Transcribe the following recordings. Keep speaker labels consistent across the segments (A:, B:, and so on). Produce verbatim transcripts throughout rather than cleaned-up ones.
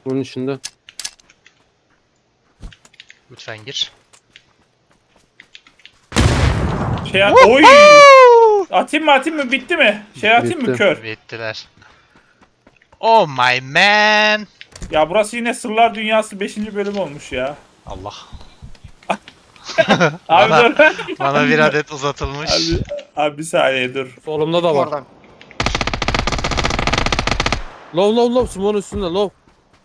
A: Bunun içinde.
B: Lütfen gir.
C: Şey at- oy! Atayım mı atayım mı bitti mi? Şey atayım mı
A: Bitti.
C: kör?
B: Bittiler. Oh my man.
C: Ya burası yine Sırlar Dünyası beşinci bölüm olmuş ya.
B: Allah.
C: Abi
B: bana,
C: dur.
B: bana bir adet uzatılmış.
C: Abi, abi bir saniye dur.
A: Solumda da var.
D: Oradan.
A: Low low low. Smoke'un üstünde low.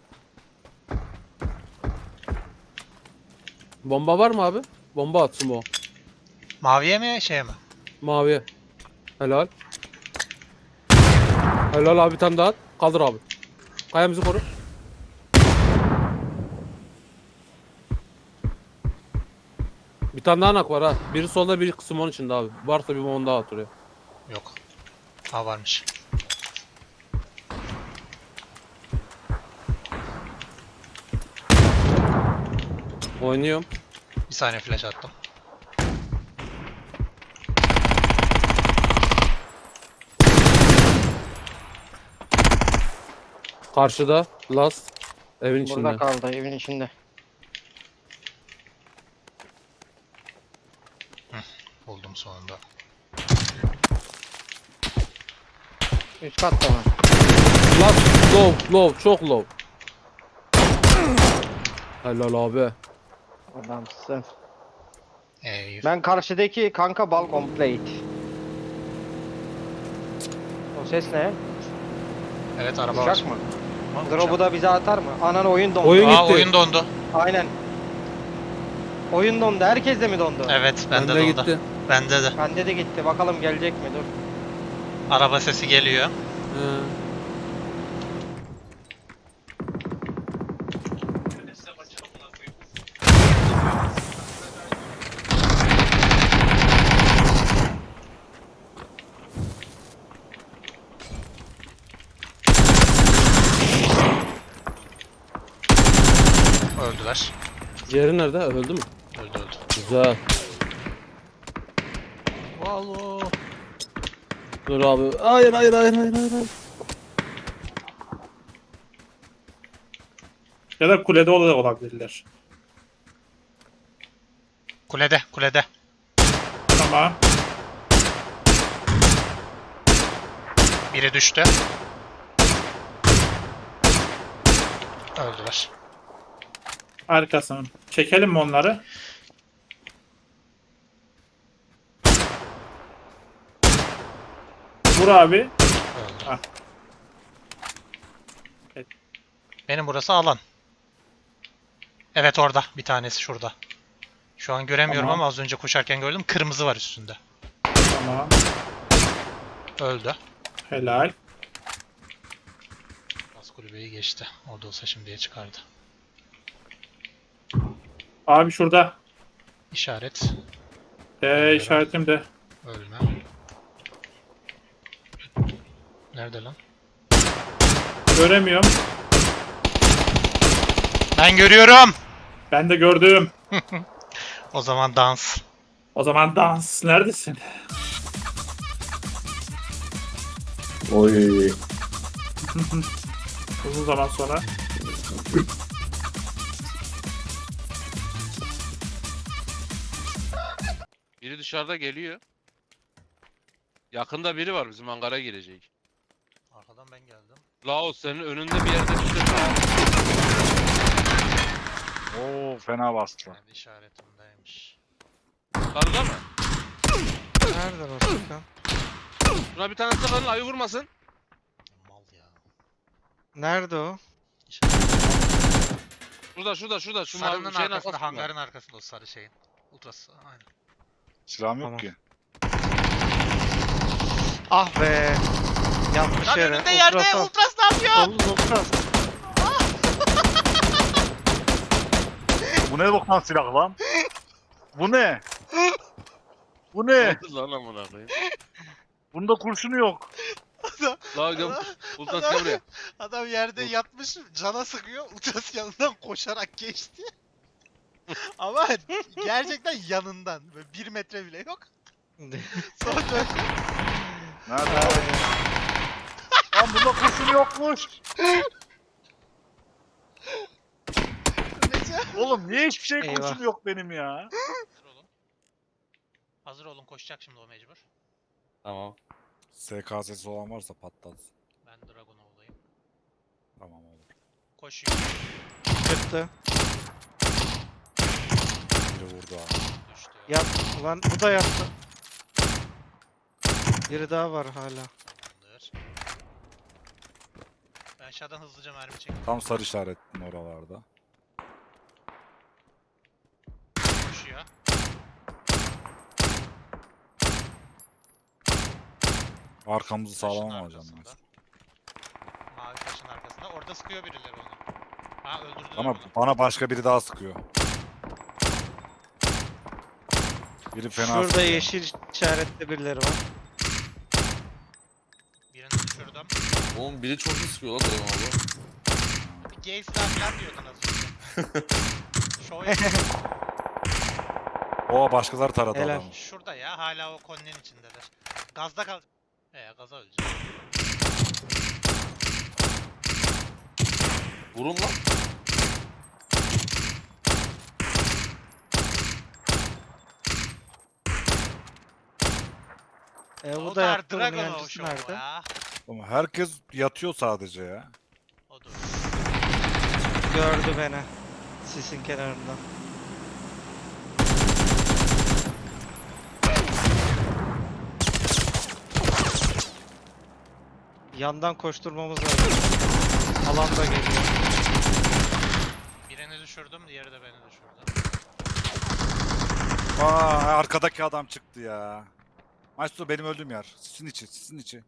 A: Bomba var mı abi? Bomba at smoke.
B: Maviye mi şeye mi?
A: Maviye. Helal. Helal abi, bir tane daha at. Kaldır abi. Kayamızı koru. Bir tane daha nak var ha. Biri solda, biri smoke'un içinde abi. Varsa bir bomba daha at oraya.
B: Yok. Ha varmış.
A: Oynuyorum.
B: Bir saniye flash attım.
A: Karşıda. Last. Evin içinde.
D: Burada kaldı evin içinde.
B: Buldum sonunda.
D: Üst katta mı?
A: Last. Low. Low. Çok low. Helal abi.
D: Adamsın.
B: Ey.
D: Ben karşıdaki kanka balkon plate. O ses ne?
B: Evet araba var.
D: Uçak mı?
B: Ama
D: Drop'u
B: uçak.
D: da bize atar mı? Anan oyun dondu.
A: Oyun-
B: Aa
A: gitti.
B: oyun dondu.
D: Aynen. Oyun dondu. Herkes de mi dondu?
B: Evet bende
A: Bende
B: dondu.
A: gitti.
B: Bende de.
D: Bende de gitti. Bakalım gelecek mi? Dur.
B: Araba sesi geliyor.
A: He.
B: Öldüler.
A: Diğeri nerede? Öldü mü?
B: Öldü öldü.
A: Güzel.
B: Valo.
A: Dur abi. Hayır hayır hayır hayır hayır. hayır.
C: Ya da kulede ol- olabilirler.
B: Kulede kulede.
C: Tamam.
B: Biri düştü. Öldüler.
C: Harikasın. Çekelim mi onları? Vur abi.
B: Öldü.
C: Ah. Evet.
B: Benim burası alan. Evet orada. Bir tanesi şurada. Şu an göremiyorum
C: Tamam.
B: ama az önce koşarken gördüm. Kırmızı var üstünde.
C: Tamam.
B: Öldü.
C: Helal.
B: Bas kulübeyi geçti. Orada olsa şimdiye çıkardı.
C: Abi şurada.
B: İşaret.
C: Ee, işaretim de.
B: Ölme. Nerede lan?
C: Göremiyorum.
B: Ben görüyorum.
C: Ben de gördüm.
B: O zaman dans.
C: O zaman dans. Neredesin?
E: Oy.
C: Uzun zaman sonra.
F: Biri dışarıda geliyor. Yakında biri var, bizim hangara girecek.
B: Arkadan ben geldim.
F: Laos senin önünde bir yerde bir şey var.
E: Oo fena bastı.
B: Kendi işaretimdeymiş.
F: Karıda mı?
B: Nerede Rostak?
F: Buna bir tane sıkın, ayı vurmasın.
B: Mal ya.
D: Nerede o?
F: Şurada şurada şurada. Şu
B: Sarının
F: mavi şeyin
B: arkasında,
F: arkasında.
B: hangarın arkasında o sarı şeyin. Ultrası, aynen.
E: Silahım yok
D: Tamam.
E: ki.
D: Ah be. Yanlış
B: Lan
D: yere.
B: önünde yerde
D: Ultrason.
B: Ultras ne yapıyor?
D: Oğlum ultras.
E: Bu ne boktan silah lan? Bu ne? Bu
F: Ne
E: ne?
F: oldu lan amına koyayım?
E: Bunda kurşunu yok.
F: La gel. Ultas gel buraya.
B: Adam yerde
F: Ul-
B: yatmış, cana sıkıyor, Ultras yanından koşarak geçti. Ama gerçekten yanından, böyle bir metre bile yok. Sonra dön.
E: Nerede? Lan bunda kurşun yokmuş.
B: Recep.
E: Oğlum niye hiçbir şey
D: Eyvah.
E: koşum yok benim ya?
B: Hazır olun. Hazır olun koşacak şimdi o mecbur.
F: Tamam.
E: S K S'si olan varsa patlatsın.
B: Ben Dragunov'dayım.
E: Tamam olur.
B: Koşuyor.
D: Çıktı.
E: Biri vurdu abi.
B: Düştü.
D: Yat. Ulan bu da yattı. Biri daha var hala.
B: Tamamdır. Ben aşağıdan hızlıca mermi çektim.
E: Tam sarı işaretin oralarda.
B: Koşuyor.
E: Arkamızı sağlam
B: Taşın
E: alacağım ben.
B: arkasında. Mavi taşın arkasında. Orada sıkıyor birileri onu. Ha öldürdüler
E: Ama
B: onu.
E: bana başka biri daha sıkıyor. Biri fena
D: Şurada
E: sıkıyor.
D: yeşil işaretli birileri var.
B: Birini düşürdüm.
F: Oğlum biri çok iyi sıkıyor lan Dragon abi.
B: Gay silah falan diyordun az önce. Show yap-
E: O başkaları taradı
D: Helal.
E: adamı.
B: Şurada ya hala o koninin içindeler. Gazda kal. Ee gaza öleceğim.
F: Vurun lan.
D: E, bu
B: O
D: da
B: da
D: yattı. Bunun
B: Dragonov
D: yancısı
B: show
D: nerede?
B: ya.
E: Ama herkes yatıyor sadece ya.
B: O da.
D: Gördü beni. Sisin kenarından. Yandan koşturmamız lazım. Alan da geliyor.
B: Birini düşürdüm, diğeri de beni düşürdü.
E: Aa arkadaki adam çıktı ya. Maestro benim öldüğüm yer. Sizin içi, sizin içi.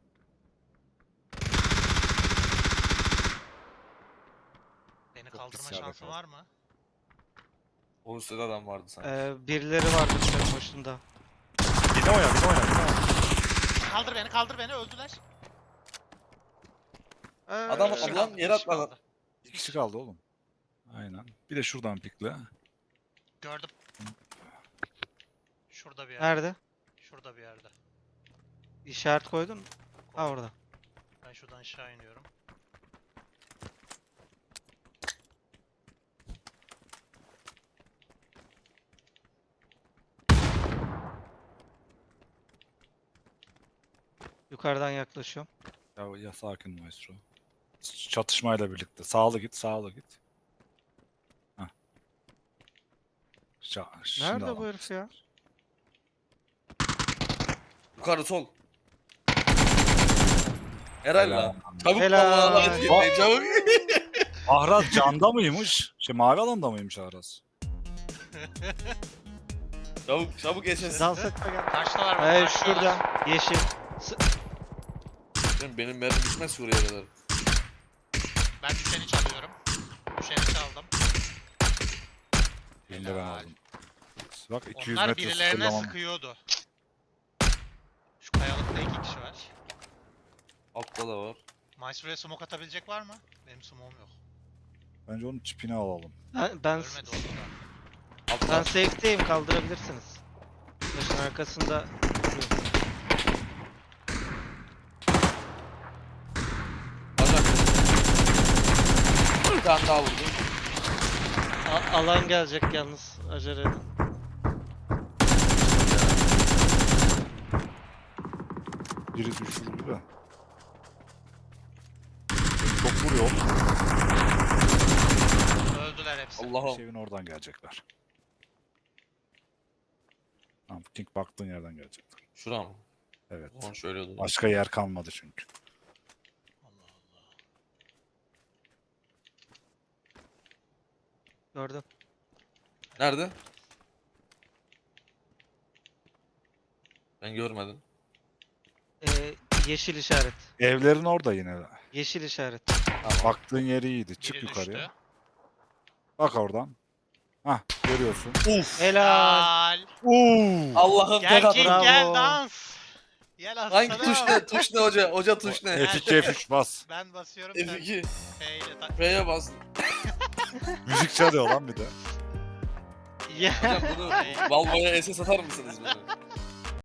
B: Beni
E: Çok
B: kaldırma
E: pis yerde
B: şansın
E: kaldı.
B: var mı?
F: O üstte adam vardı sanki.
D: Ee, birileri vardı senin başında.
E: Bir de oyna, bir de oyna, bir de oyna.
B: Kaldır beni, kaldır beni, öldüler.
D: Ee,
F: Adam
B: Bir kişi
F: atladı
B: kaldı,
F: lan
B: bir
F: yere
B: kişi
F: atladı.
B: kaldı.
E: Bir kişi kaldı oğlum. Aynen. Bir de şuradan pikle.
B: Gördüm. Şurada bir yerde.
D: Nerede?
B: Şurada bir yerde.
D: İşaret koydun mu? Ha orada.
B: Ben şuradan aşağı iniyorum.
D: Yukarıdan yaklaşıyorum.
E: Ya, ya sakin Maestro. Çatışmayla birlikte. Sağlı git, sağlı git. Hah. Ça- şimdi
D: Nerede bu
E: alalım.
D: herif ya?
F: Yukarı sol. Helal
E: Helal.
F: lan. Çabuk
D: Helal.
F: vallahi lan gitmeyin, çabuk.
E: Ahraz canda mıymış? Şey mavi alanda mıymış Ahraz?
F: Çabuk çabuk geçin.
D: Dans etme gel.
B: Karşıdalar bak.
D: Ee,
B: karşıdalar.
D: şurada. Yeşil. S-
F: Benim, benim mermi bitmez ki oraya kadar.
B: Ben düşeni çalıyorum. Düşeni çaldım.
E: Birini de ben
B: Helal.
E: aldım. Bak iki yüz
B: Onlar
E: metre
B: birilerine
E: sıfırlamam.
B: sıkıyordu. Şu kayalıkta iki kişi var.
F: Altta da var.
B: Maestro'ya smoke atabilecek var mı? Benim smoke'um yok.
E: Bence onun çipini alalım.
D: Ben, ben,
B: Ölmedi oldu da.
F: Altta.
D: ben safe'deyim, kaldırabilirsiniz. Taşın arkasında duruyor.
F: Bacak. Bir tane daha vurdum.
D: A- alan gelecek yalnız. Acele edin.
E: Biri düşürdü de. Çok vuruyor.
B: Öldüler hepsi.
F: Allah'ım.
E: Evin oradan gelecekler. Tamam, King baktığın yerden gelecekler.
F: Şura mı?
E: Evet.
F: Onu şöyle oldu.
E: Başka yer kalmadı çünkü.
B: Allah Allah.
D: Gördüm.
F: Nerede? Ben görmedim.
D: Ee, yeşil işaret.
E: Evlerin orada yine.
D: Yeşil işaret.
E: Baktığın yeri iyiydi. Çık
B: Biri
E: yukarıya.
B: düştü.
E: Bak oradan. Hah, görüyorsun.
F: Uf.
D: Helal.
B: Helal.
E: Uuu.
F: Allah'ım
B: Gel
F: tek
B: King
F: atın.
D: Bravo.
B: gel dans. Gel
F: Hangi
B: aslanım.
F: tuş ne? Tuş ne hoca? Hoca tuş ne?
E: F iki F üç bas.
B: Ben basıyorum
F: F
B: sen
F: iki.
B: F ile ta-
F: F'ye bas.
E: Müzik çalıyor lan bir de.
D: Ya.
F: Hocam bunu Valvo'ya S S atar mısınız bunu?